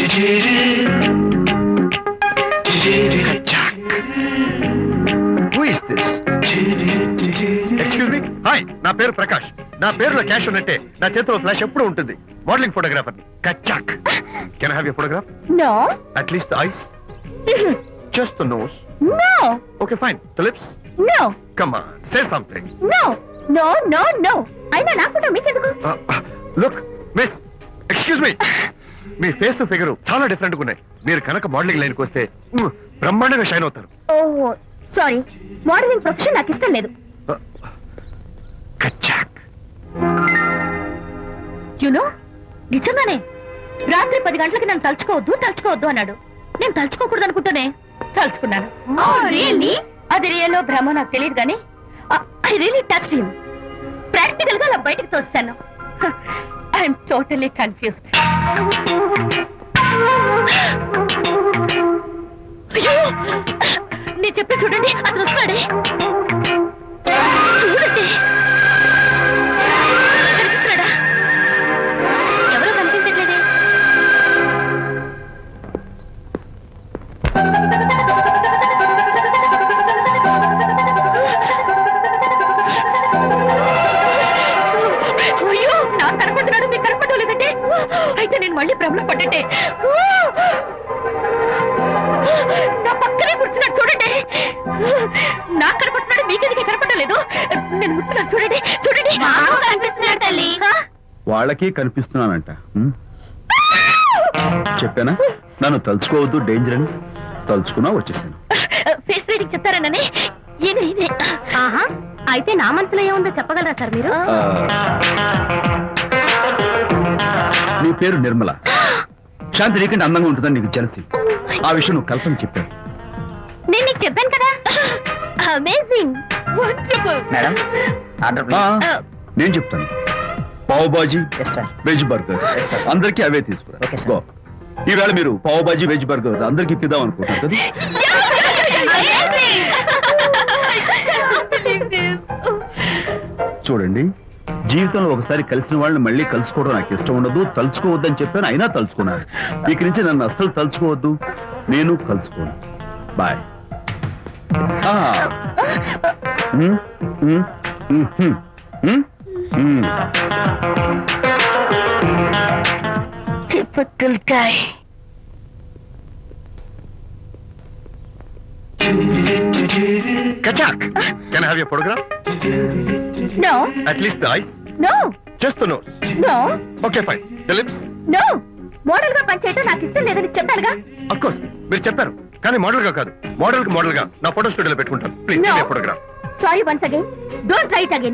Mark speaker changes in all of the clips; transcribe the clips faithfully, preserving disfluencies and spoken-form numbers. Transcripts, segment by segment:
Speaker 1: Excuse me. Hi, నా పేరు ప్రకాష్. నా పేరులో క్యాష్ ఉన్నట్టే నా చేతిలో ఫ్లాష్ ఎప్పుడు ఉంటుంది. మోడలింగ్ ఫోటోగ్రాఫర్ కచ్చాక్. Can I have your photograph?
Speaker 2: No.
Speaker 1: At least the eyes, just the nose.
Speaker 2: No.
Speaker 1: Okay fine. The lips?
Speaker 2: No.
Speaker 1: Come on, say something.
Speaker 2: No no no no. అయినా నా photo మీకెందుకు?
Speaker 1: Look miss, excuse me. మీ face figure చాలా different గా ఉన్నాయి. మీరు కనుక modelling లైన్కి వస్తే మ్, బ్రహ్మాండంగా షైన్ అవుతారు.
Speaker 2: ఓహో సారీ, మోడలింగ్ ప్రొఫెషన్ నాకు ఇష్టం లేదు.
Speaker 1: కచ్చాక్.
Speaker 2: యునో, నిజంగానే రాత్రి పది గంటలకి నన్ను తలుచుకోవద్దు తలుచుకోవద్దు అన్నాడు. నేను తలుచుకోకూడదు అనుకుంటూనే తలుచుకున్నాను. అది రియల్లో భ్రమ నాకు తెలియదు కానీ I really touched him. Practical గా అలా బయటకు తోస్తాను. I'm totally confused. అయ్యో, నేను చెప్పి చూడండి, అతను వస్తున్నాడే. చూడండి, కనిపిస్తున్నాడా? ఎవరో కనిపించట్లేదే. అయ్యో, నాకు కనపడుతున్నాడు, మీకు కనపడలేదంటే అయితే నేను మళ్ళీ భ్రమలో పడ్డట్టే. నా పక్కనే కూర్చున్నాడు చూడండి. నాకు కనపడుతున్నాడు, మీకెందుకే కనపడలేదు? నేను ముట్టున్నాను చూడండి, చూడండి. కనిపిస్తున్నాడు తల్లి.
Speaker 3: వాళ్ళకి కనిపిస్తున్నానంట. చెప్పానా నన్ను తలుచుకోవద్దు, డేంజర్ అని. తలుచుకున్నా వచ్చేసాను.
Speaker 2: ఫేస్ రీడింగ్ చెప్తారననే. ఈయన ఈయనే. ఆహా, అయితే నా మనసులో ఏముందో చెప్పగలరా సార్ మీరు?
Speaker 3: నీ పేరు నిర్మల. శాంతి నీకంటే అందంగా ఉంటుందని నీకు తెలిసి ఆ విషయం నువ్వు కల్పన చెప్పాను.
Speaker 2: నేను నీకు చెప్పాను కదా. Amazing, wonderful.
Speaker 4: Madam, order please.
Speaker 3: నేను చెప్తాను. పావ్ బాజీ, వెజ్ బర్గర్, అందరికీ అవే తీసుకురా. గో. ఈవేళ మీరు పావ్ బాజీ వెజ్ బర్గర్ అందరికీ ఇప్పిద్దాం అనుకుంటున్నారు కదా. చూడండి, జీవితంలో ఒకసారి కలిసిన వాళ్ళని మళ్ళీ కలుసుకోవడం నాకు ఇష్టం ఉండదు. తలుచుకోవద్దని చెప్పాను, అయినా తలుచుకున్నాను. ఇక నుంచి నన్ను అస్సలు తలుచుకోవద్దు, నేను కలుసుకోను. బాయ్.
Speaker 1: కచ్చాక్. Can I have your photograph?
Speaker 2: No.
Speaker 1: At least the eyes?
Speaker 2: No.
Speaker 1: Just the nose?
Speaker 2: No.
Speaker 1: Okay fine. The lips?
Speaker 2: No. Model గా పనిచేయటం నాకు ఇష్టం లేదని చెప్పానుగా.
Speaker 1: ఆఫ్ కోర్స్ మీరు చెప్పారు, కానీ మోడల్ గా కాదు. మోడల్ కి మోడల్ గా నా ఫోటో స్టూడియోలో పెట్టుకుంటాను. Please
Speaker 2: No.
Speaker 1: Photograph.
Speaker 2: Sorry once again. Don't try it again.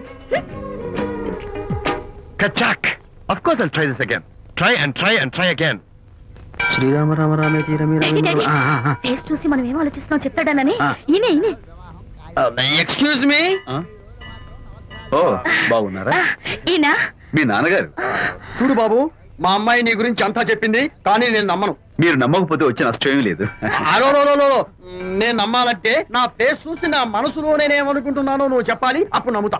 Speaker 1: కచ్చాక్. Of course I'll try this again. Try and try and try again.
Speaker 3: Srirama Rama రామే తీరమే
Speaker 2: ఫేస్ చూసి మనం ఏం ఆలోచిస్తున్నాం చెప్తాడనని. ఈయనే ఈయనే.
Speaker 4: Excuse me.
Speaker 3: ఓ, బాగున్నారా?
Speaker 2: ఈయన
Speaker 3: మీ నాన్నగారు.
Speaker 4: చూడు బాబు, మా అమ్మాయి నీ గురించి అంతా చెప్పింది, కానీ నేను నమ్మను.
Speaker 3: మీరు నమ్మకపోతే వచ్చే నష్టం ఏమీ లేదు.
Speaker 4: అలో నేను నమ్మాలంటే నా ఫేస్ చూసి నా మనసులో నేనేమనుకుంటున్నానో నువ్వు చెప్పాలి, అప్పుడు నమ్ముతా.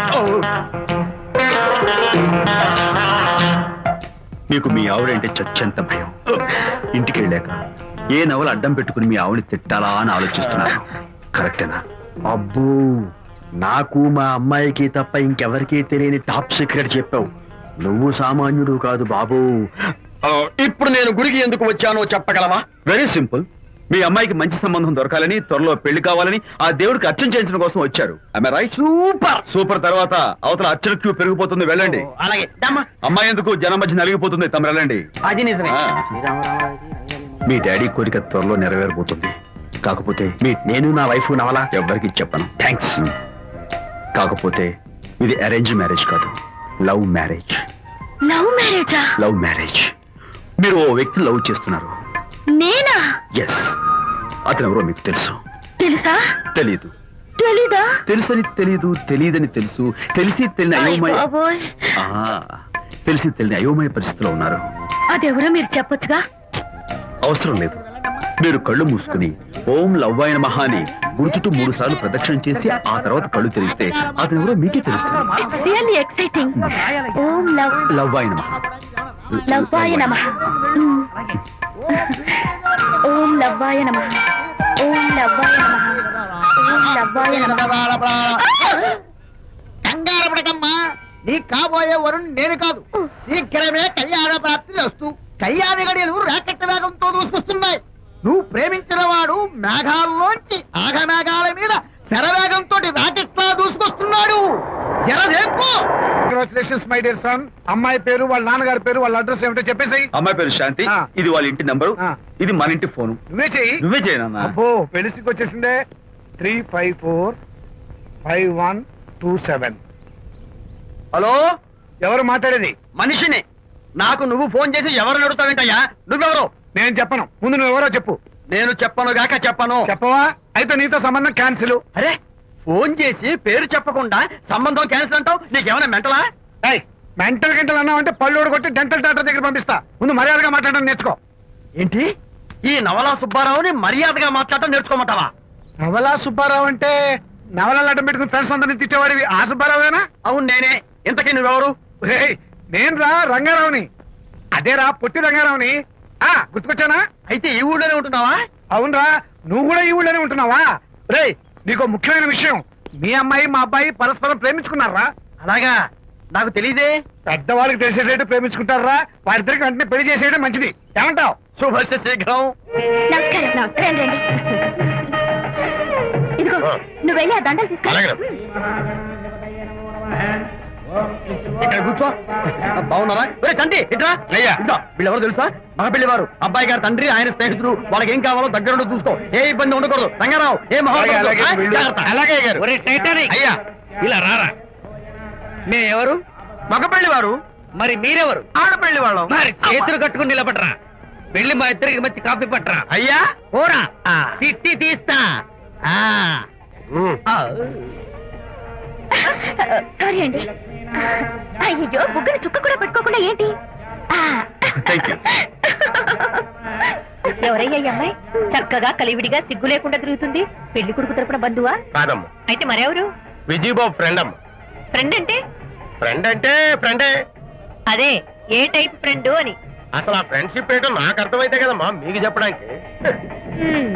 Speaker 3: మీకు మీ ఆవిడంటే చచ్చెంత భయం. ఇంటికి వెళ్ళాక ఏ నవలు అడ్డం పెట్టుకుని మీ ఆవిడని తిట్టాలా అని ఆలోచిస్తున్నాను. కరెక్టేనా?
Speaker 4: అబ్బో, నాకు మా అమ్మాయికి తప్ప ఇంకెవరికీ తెలియని టాప్ సీక్రెట్ చెప్పావు. నువ్వు సామాన్యుడు కాదు బాబు. ఇప్పుడు నేను గుడికి ఎందుకు వచ్చానో చెప్పగలవా?
Speaker 3: Very simple. మీ అమ్మాయికి మంచి సంబంధం దొరకాలని, త్వరలో పెళ్లి కావాలని ఆ దేవుడికి అర్చన చేయించడం కోసం వచ్చారు. రైట్? Super super. తర్వాత అవతల అర్చన క్యూ పెరిగిపోతుంది, వెళ్ళండి.
Speaker 4: అలాగే.
Speaker 3: అమ్మాయి ఎందుకు జనం మధ్య నలిగిపోతుంది, తమ వెళ్ళండి.
Speaker 4: అది నిజమే.
Speaker 3: మీ డాడీ కోరిక త్వరలో నెరవేరబోతుంది. కాకపోతే మీ నేను నా వైఫ్ నవలా ఎవ్వరికి చెప్పను. థ్యాంక్స్. కాకపోతే ఇది అరేంజ్ మ్యారేజ్ కాదు, లవ్ మ్యారేజ్.
Speaker 2: లవ్ మ్యారేజా?
Speaker 3: Love marriage. మీరు ఓ వ్యక్తిని లవ్ చేస్తున్నారు.
Speaker 2: నేనా?
Speaker 3: ఎస్. అతను ఎవరో మీకు తెలుసు.
Speaker 2: తెలుసా?
Speaker 3: తెలీదు.
Speaker 2: తెలీదా?
Speaker 3: తెలుసని తెలీదు, తెలియదని తెలుసు, తెలిసి తెలియని అయోమయ తెలిసి తెలియని అయోమయ పరిస్థితిలో ఉన్నారు.
Speaker 2: అదెవరో మీరు చెప్పొచ్చుగా.
Speaker 3: అవసరం లేదు. మీరు కళ్ళు మూసుకుని ఓం లవ్వాయ నమః అని గుడి చుట్టూ మూడు సార్లు ప్రదక్షిణ చేసి ఆ తర్వాత కళ్ళు తెరిస్తే అతను ఎవరో మీకే తెలుస్తుంది.
Speaker 2: It's really exciting. ఓం లవ్
Speaker 3: లవ్వాయ నమః.
Speaker 2: లవ్వాయ నమః. ఓం లవ్వాయ నమః. ఓం లవ్వాయ నమః. ఓం లవ్వాయ నమః.
Speaker 5: కంగారు పడకమ్మా, నీ కాబోయే వరుణ్ నేను కాదు. శీఘ్రమే కళ్యాణ ప్రాప్తి వస్తూ కళ్యాణ గడియలు రాకెట్ వేగంతో దూసుకొస్తున్నాయి. నువ్వు ప్రేమించిన వాడు మేఘాల్లోంచి ఆగమేఘాల మీద శరవేగంతో రాకెట్ లా దూసుకొస్తున్నాడు. జరదేపు.
Speaker 6: Congratulations my dear son. అమ్మాయి పేరు, వాళ్ళ నాన్నగారి పేరు, వాళ్ళ అడ్రస్ ఏమిటో చెప్పేసి.
Speaker 3: అమ్మాయి పేరు శాంతి,
Speaker 6: ఆ.
Speaker 3: ఇది వాళ్ళ ఇంటి నంబరు,
Speaker 6: ఆ.
Speaker 3: ఇది మన ఇంటి ఫోను.
Speaker 6: నువ్వే చెయ్యి.
Speaker 3: నువ్వే చేయనన్నా.
Speaker 6: అబ్బో పెళ్లికి వచ్చేసిందే. Three five four five one two seven.
Speaker 3: Hello,
Speaker 6: ఎవరు మాట్లాడేది?
Speaker 3: మనిషిని. నాకు నువ్వు ఫోన్ చేసి ఎవరు అడుగుతావేంటయ్యా? నువ్వెవరు?
Speaker 6: నేను చెప్పను, ముందు నువ్వు ఎవరో చెప్పు.
Speaker 3: నేను చెప్పను గాక చెప్పను.
Speaker 6: చెప్పవా? అయితే నీతో సంబంధం క్యాన్సిల్.
Speaker 3: అరే, ఫోన్ చేసి పేరు చెప్పకుండా సంబంధం క్యాన్సిల్ అంటావు? నీకేమైనా మెంటలా?
Speaker 6: మెంటల్ గింటల్ అన్నావు అంటే పళ్ళు కొట్టి డెంటల్ డాక్టర్ దగ్గర పంపిస్తా. ముందు మర్యాదగా మాట్లాడడం నేర్చుకో.
Speaker 3: ఏంటి, ఈ నవలా సుబ్బారావుని మర్యాదగా మాట్లాడటం నేర్చుకోమంటావా?
Speaker 6: నవలా సుబ్బారావు అంటే నవలాలు అడ్డం పెట్టుకుని ఫ్రెండ్స్ అందరినీ తిట్టేవాడివి ఆ సుబ్బారావేనా?
Speaker 3: అవును నేనే. ఇంతకీ నువ్వెవరు?
Speaker 6: రేయ్, నేను రా రంగారావుని. అదేరా పొట్టి రంగారావుని. ఆ గుర్తుకొచ్చానా?
Speaker 3: అయితే ఈ ఊళ్ళోనే ఉంటున్నావా?
Speaker 6: అవునరా, నువ్వు కూడా ఈ ఊళ్ళోనే ఉంటున్నావా? రేయ్, నీకు ముఖ్యమైన విషయం. మీ అమ్మాయి మా అబ్బాయి పరస్పరం ప్రేమించుకున్నారా?
Speaker 3: అలాగా, నాకు తెలీదే.
Speaker 6: పెద్దవాళ్ళకి తెలిసేటట్టు ప్రేమించుకుంటారా? వారిద్దరికి వెంటనే పెళ్లి చేసేయడం మంచిది. ఏమంటావు?
Speaker 3: శుభస్య శీఘ్రం.
Speaker 2: నమస్కారం. నమస్కారం. రండి. ఇదిగో, నువ్వు వెళ్ళి ఆ దండలు తీసుకో.
Speaker 1: అలాగే.
Speaker 3: ఇక్కడ కూర్చో. బాగున్నారా? ఒరే చంటి, ఇట్రా.
Speaker 1: అయ్యా.
Speaker 3: ఇదిగో, వీళ్ళెవరో తెలుసా? మగ పెళ్లివారు, అబ్బాయి గారి తండ్రి, ఆయన స్నేహితులు. వాళ్ళకి ఏం కావాలో దగ్గరుండి చూసుకో. ఏ ఇబ్బంది ఉండకూడదు. రంగారావు, ఏ
Speaker 6: అలాగే, అలాగే, వీళ్ళు-
Speaker 1: అలాగే గారు.
Speaker 3: అయ్యా,
Speaker 5: ఇలా రారా. మే ఎవరు?
Speaker 3: మగ పెళ్లివారు.
Speaker 5: మరి మీరెవరు?
Speaker 3: ఆడపెళ్లి వాళ్ళం.
Speaker 5: మరి చేతులు కట్టుకుని నిలబడరా. వెళ్ళి మా ఇద్దరికి మంచి కాఫీ పట్టరా.
Speaker 3: అయ్యా,
Speaker 5: పోరా, తిట్టి తీస్తా. ఆ
Speaker 1: ఉమ్.
Speaker 5: ఆ.
Speaker 2: సారీ అండి. అయ్యో, బుగ్గన చుక్క కూడా పెట్టుకోకుండా ఏంటి? ఆ.
Speaker 3: Thank you.
Speaker 2: ఎవరయ్యా ఈ అమ్మాయి? చక్కగా కలివిడిగా సిగ్గు లేకుండా తిరుగుతుంది. పెళ్లి కొడుకు తరపున బంధువా?
Speaker 1: కాదమ్మ,
Speaker 2: అయితే మరెవరు?
Speaker 1: విజయబాబు ఫ్రెండ్ అమ్మ.
Speaker 2: ఫ్రెండ్ అంటే?
Speaker 1: ఫ్రెండ్ అంటే ఫ్రెండే.
Speaker 2: అదే, ఏ టైప్ ఫ్రెండ్ అని.
Speaker 1: అసలు ఆ ఫ్రెండ్షిప్ ఏంటో నాకు అర్థమైతే కదమ్మా మీకు చెప్పడానికి.
Speaker 2: హ్మ్.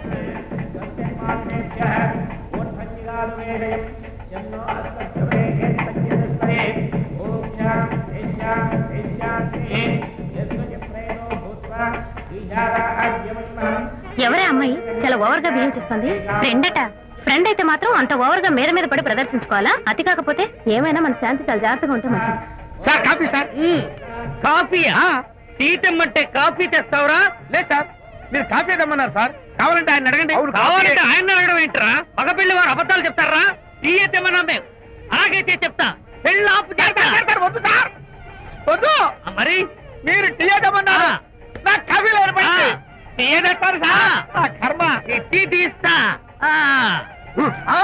Speaker 2: ఎవరే అమ్మాయి చాలా ఓవర్ గా బిహేవ్ చేస్తుంది? ఫ్రెండ్ అట. ఫ్రెండ్ అయితే మాత్రం అంత ఓవర్ గా మీద మీద పడి ప్రదర్శించుకోవాలా? అతి కాకపోతే ఏమైనా మన శాంతి చాలా జాగ్రత్తగా ఉంటే మంచిది.
Speaker 5: Sir coffee sir. కాఫీయా? టీ తెమ్మంటే కాఫీ తెస్తావురా? లేదు సార్, మీరు కాఫీ తెమ్మన్నారు సార్. కావాలంటే ఆయన అడగండి.
Speaker 6: అవును,
Speaker 5: కావాలంటే
Speaker 6: కాఫీ.
Speaker 5: ఆయన అడగడం ఏంట్రా? మగ పెళ్లి వారు అబద్ధాలు చెప్తారా? టీ తెమ్మన్నా మేము. అలాగైతే చెప్తా. పెళ్ళి ఆపు చేస్తా. వద్దు సార్, వద్దు. మరి మీరు టీ తెమ్మన్నారు, నాకు కాఫీ లేదు. టీ తెస్తారు సార్. ఆ కర్మ. టీ తీస్తా. ఆ. ఆ.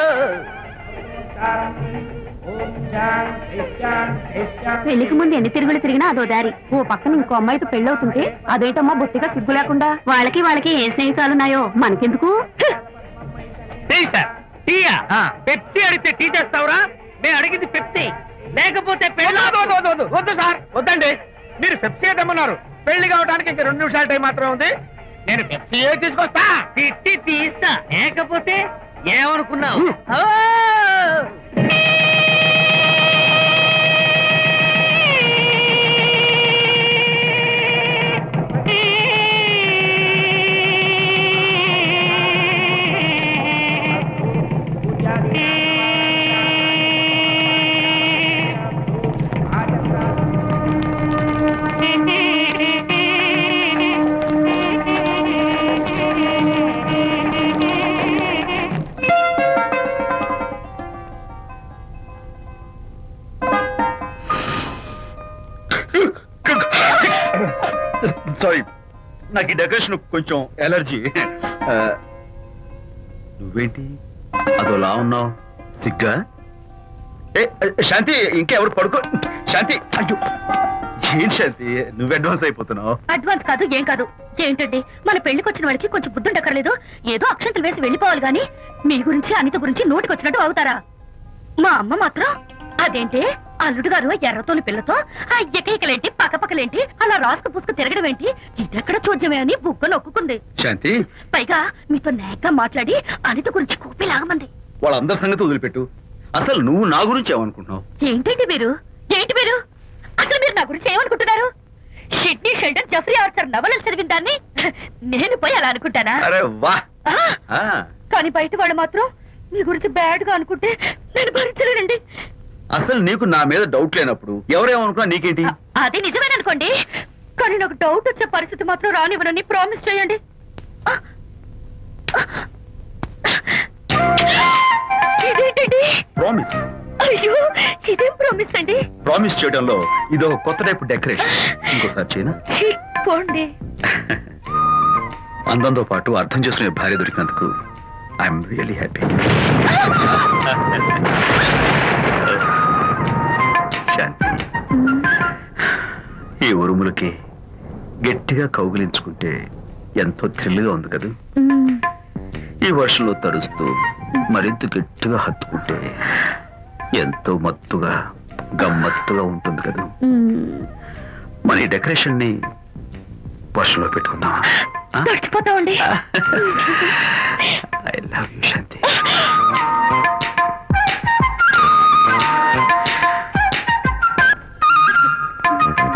Speaker 2: పెళ్లికి ముందు ఎన్ని తిరుగులు తిరిగినా అదో దారి. ఓ పక్కన ఇంకో అమ్మాయితో పెళ్ళవుతుంటే అదేటమ్మా బొత్తిగా సిగ్గు లేకుండా. వాళ్ళకి వాళ్ళకి ఏ స్నేహితాలున్నాయో మనకెందుకు?
Speaker 5: Tea sir. టీయా? పెప్సీ అడిగితే టీ తెస్తావురా? మేము అడిగింది పెప్సీ, లేకపోతే పెళ్ళి. వద్దు సార్, వద్దండి. మీరు పెప్సీ తెమ్మన్నారు. పెళ్లి కావడానికి ఇంక రెండు నిమిషాల టైం మాత్రమే ఉంది. నేను పెప్సీ తీసుకొస్తా. తిట్టి తీస్తా, లేకపోతే ఏమనుకున్నావు? ఓ!
Speaker 3: సారీ, నాకు ఈ డెకరేషన్ కొంచెం ఎలర్జీ. ఆ, నువ్వేంటి అదోలా ఉన్నావు? సిగ్గా? ఏ శాంతి, ఇంకెవరు పడుకో. శాంతి, అయ్యో ఏంటి శాంతి, నువ్వు అడ్వాన్స్ అయిపోతున్నావు.
Speaker 2: అడ్వాన్స్ కాదు, ఏం కాదు. ఏంటండి, మన పెళ్లికి వచ్చిన వాళ్ళకి కొంచెం బుద్ధి ఉండక్కర్లేదు? ఏదో అక్షంతలు వేసి వెళ్ళిపోవాలి గాని మీ గురించి అనిత గురించి నోటికి వచ్చినట్టు అవుతారా? మా అమ్మ మాత్రం అదేంటి అల్లుడు గారు ఎర్రతోలి పిల్లతో ఆ ఎకైకలేంటి పక్కపక్కలేంటి అలా రాసుకు పుసుకు తిరగడం ఏంటి ఇదెక్కడ చూద్యమే అని బుగ్గ నొక్కుంది.
Speaker 3: శాంతి,
Speaker 2: పైగా మీతో నేగ్గా మాట్లాడి అనిత గురించి కూపి లాగమంది.
Speaker 3: వాళ్ళందరి సంగతి వదిలిపెట్టు. అసలు నువ్వు నా గురించి ఏమనుకుంటున్నావు?
Speaker 2: ఏంటండి మీరు ఏంటి మీరు అసలు మీరు నా గురించి ఏమనుకుంటున్నారు? షిడ్నీ షెల్డన్ జఫ్రీ ఆర్చర్ నవలలు చదివిన దాన్ని నేను పోయి అలా అనుకుంటానా?
Speaker 3: అరే వా.
Speaker 2: ఆ,
Speaker 3: ఆ,
Speaker 2: కానీ బయట వాళ్ళు మాత్రం మీ గురించి బ్యాడ్ గా అనుకుంటే నేను భరించలేనండి.
Speaker 3: అసలు నీకు నా మీద డౌట్ లేనప్పుడు ఎవరేమనుకున్నా నీకేంటి?
Speaker 2: అ- అది నిజమేననుకోండి, కానీ నాకు డౌట్ వచ్చే పరిస్థితి మాత్రం రానివ్వనని ప్రామిస్ చేయండి. ఆ! ఇదేంటండి?
Speaker 3: ప్రామిస్.
Speaker 2: అయ్యో, ఇదేం ప్రామిస్ అండి?
Speaker 3: ప్రామిస్ చేయడంలో ఇది ఒక కొత్త టైప్ డెకరేషన్. ఇంకోసారి చేయనా?
Speaker 2: ఛీ, పోండి.
Speaker 3: అందంతో పాటు అర్థం చేసుకునే భార్య దొరికినందుకు ఐఎమ్ రియలీ హ్యాపీ. శాంతి, ఈ ఉరుములకి గట్టిగా కౌగిలించుకుంటే ఎంతో థ్రిల్గా ఉంది కదా.
Speaker 2: మ్మ్.
Speaker 3: ఈ వర్షంలో తడుస్తూ మరింత గట్టిగా హత్తుకుంటే ఎంతో మత్తుగా గమ్మత్తుగా ఉంటుంది కదా.
Speaker 2: మ్మ్.
Speaker 3: మన ఈ డెకరేషన్ ని వర్షంలో పెట్టుకుందాం.
Speaker 2: తడిచిపోతామండి.
Speaker 3: I love you